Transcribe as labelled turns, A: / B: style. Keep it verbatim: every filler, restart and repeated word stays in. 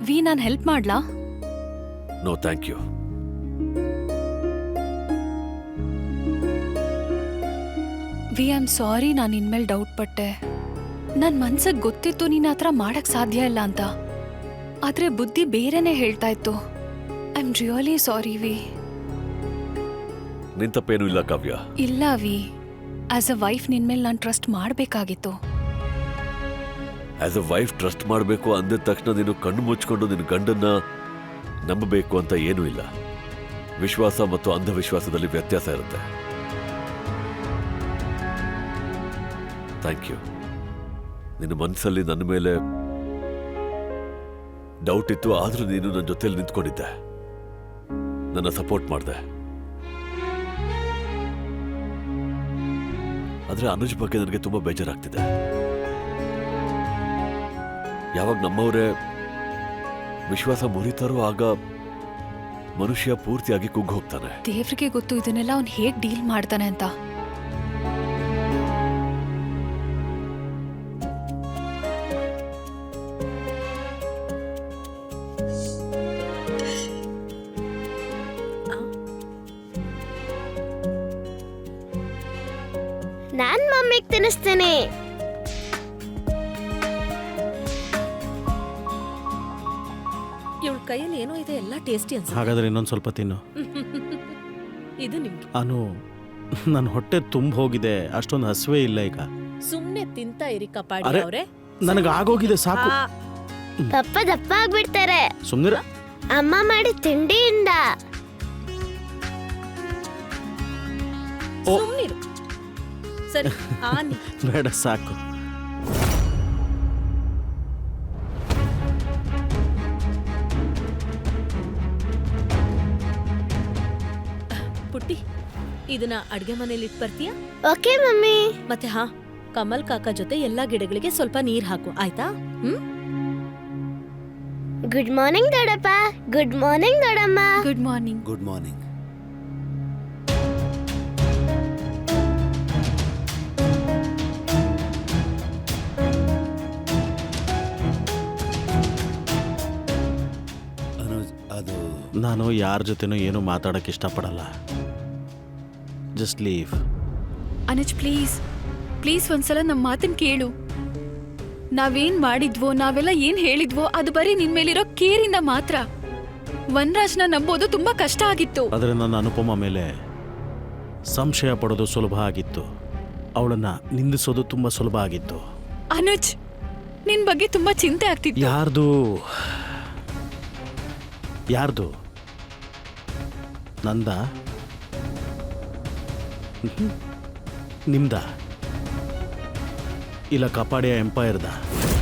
A: V ನಾನು help ಮಾಡ್ಲಾ?
B: No thank you.
A: V I am sorry, ನಾನು ಇನ್ಮೇಲೆ ಡೌಟ್ ಪಟ್ಟೆ. ನನ್ನ ಮನ್ಸಿಗೆ ಗೊತ್ತಿತ್ತು ನೀನು ಆ ಥರ ಮಾಡಕ್ ಸಾಧ್ಯ ಇಲ್ಲ ಅಂತ, ಆದ್ರೆ ಬುದ್ಧಿ ಬೇರೆನೇ ಹೇಳ್ತಾ ಇತ್ತು. I am really sorry V.
B: ನಿನ್ ತಪ್ಪೇನು ಇಲ್ಲ ಕಾವ್ಯ.
A: ಇಲ್ಲ ವಿ, ಆಸ್ ಅ ವೈಫ್ ನಿನ್ಮೇಲೆ ನಾನು ಟ್ರಸ್ಟ್ ಮಾಡಬೇಕಾಗಿತ್ತು.
B: ಆಸ್ ಅ ವೈಫ್ ಟ್ರಸ್ಟ್ ಮಾಡಬೇಕು ಅಂದಿದ ತಕ್ಷಣ ನೀನು ಕಣ್ಣು ಮುಚ್ಕೊಂಡು ನಿನ್ನ ಗಂಡನ್ನ ನಂಬಬೇಕು ಅಂತ ಏನೂ ಇಲ್ಲ. ವಿಶ್ವಾಸ ಮತ್ತು ಅಂಧವಿಶ್ವಾಸದಲ್ಲಿ ವ್ಯತ್ಯಾಸ ಇರುತ್ತೆ. Thank you. ನಿನ್ನ ಮನಸ್ಸಲ್ಲಿ ನನ್ನ ಮೇಲೆ ಡೌಟ್ ಇತ್ತು, ಆದ್ರೂ ನೀನು ನನ್ನ ಜೊತೆಲಿ ನಿಂತ್ಕೊಂಡಿದ್ದೆ, ನನ್ನ ಸಪೋರ್ಟ್ ಮಾಡಿದೆ. ಆದ್ರೆ ಅನುಜ್ ಬಗ್ಗೆ ನನಗೆ ತುಂಬಾ ಬೇಜಾರಾಗ್ತಿದೆ. ಯಾವಾಗ ನಮ್ಮವರೇ ವಿಶ್ವಾಸ ಮುರಿತಾರೋ ಆಗ ಮನುಷ್ಯ ಪೂರ್ತಿಯಾಗಿ ಕುಗ್ಗಿ ಹೋಗ್ತಾನೆ.
A: ದೇವ್ರಿಗೆ ಗೊತ್ತು ಇದನ್ನೆಲ್ಲ ಅವ್ನು ಹೇಗ್ ಡೀಲ್ ಮಾಡ್ತಾನೆ ಅಂತ.
C: ನಾನ್ ಮಮ್ಮಿಗೆ ತಿನ್ನಿಸ್ತೇನೆ.
D: ಇವಳ ಕೈಯಲ್ಲಿ ಏನೋ ಇದೆ, ಎಲ್ಲ ಟೇಸ್ಟಿ ಅನ್ಸುತ್ತೆ.
E: ಹಾಗಾದ್ರೆ ಇನ್ನೊಂದು ಸ್ವಲ್ಪ ತಿನ್ನು.
D: ಇದು ನಿಮ್ಗೆ.
E: ಅನು, ನನ್ನ ಹೊಟ್ಟೆ ತುಂಬ ಹೋಗಿದೆ, ಅಷ್ಟೊಂದು ಹಸುವೆ ಇಲ್ಲ ಈಗ.
D: ಸುಮ್ನೆ ತಿಂತಾ ಇರಿ ಕಪಾಡಿ
E: ಅರೆ,
D: ಅವ್ರೆ.
E: ನನಗೆ ಆಗೋಗಿದೆ ಸಾಕು.
C: ಪಪ್ಪ ದಪ್ಪ ಆಗ್ಬಿಡ್ತಾರೆ.
E: ಸುಮ್ನಿರ.
C: ಅಮ್ಮ ಮಾಡಿ ತಿಂಡಿಯಿಂದ.
D: ಸುಮ್ನಿರು. ಸರಿ ಆನಿ.
E: ಬೇಡ ಸಾಕು.
D: ಪುಟ್ಟಿ, ಇದನ್ನ ಅಡ್ಗೆ ಮನೇಲಿ ಇಟ್ ಬರ್ತೀಯಾ?
C: Okay mummy.
D: ಮತ್ತೆ ಹಾ, ಕಮಲ್ ಕಾಕ ಜೊತೆ ಎಲ್ಲಾ ಗಿಡಗಳಿಗೆ ಸ್ವಲ್ಪ ನೀರ್ ಹಾಕು, ಆಯ್ತಾ? ಹ್ಮ್.
C: ಗುಡ್ ಮಾರ್ನಿಂಗ್ ದೊಡ್ಡಪ್ಪ. ಗುಡ್ ಮಾರ್ನಿಂಗ್ ದೊಡ್ಡಮ್ಮ.
A: Good morning.
F: Good morning. Anuj, ಅದು
E: ನಾನು ಯಾರ ಜೊತೆನೂ ಏನೂ ಮಾತಾಡಕ್ಕೆ ಇಷ್ಟಪಡಲ್ಲ. Just leave.
A: Anuj please please ಒಂದ್ಸಲ ನಮ್ಮ ಮಾತನ್ನ ಕೇಳು. ನಾವೇನ್ ಮಾಡಿದ್ವೋ, ನಾವೆಲ್ಲ ಏನ್ ಹೇಳಿದ್ವೋ ಅದು ಬರೀ ನಿನ್ ಮೇಲಿರೋ ಕೇರಿಂದ ಮಾತ್ರ. ವನರಾಜ್ನ ನಂಬೋದು ತುಂಬಾ ಕಷ್ಟ ಆಗಿತ್ತು.
E: ಆದರೆ ನನ್ನ ಅನುಪಮ ಮೇಲೆ ಸಂಶಯ ಪಡೋದು ಸುಲಭ ಆಗಿತ್ತು, ಅವಳನ್ನ ನಿಂದಿಸೋದು ತುಂಬಾ ಸುಲಭ ಆಗಿತ್ತು.
A: ಅನುಜ್, ನಿನ್ ಬಗ್ಗೆ ತುಂಬಾ ಚಿಂತೆ ಆಗ್ತಿತ್ತು.
E: ಯಾರ್ದು ಯಾರ್ದು ನಂದ? ನಿಮ್ದ? ಇಲ್ಲ ಕಪಾಡಿಯ ಎಂಪೈರ್ದ?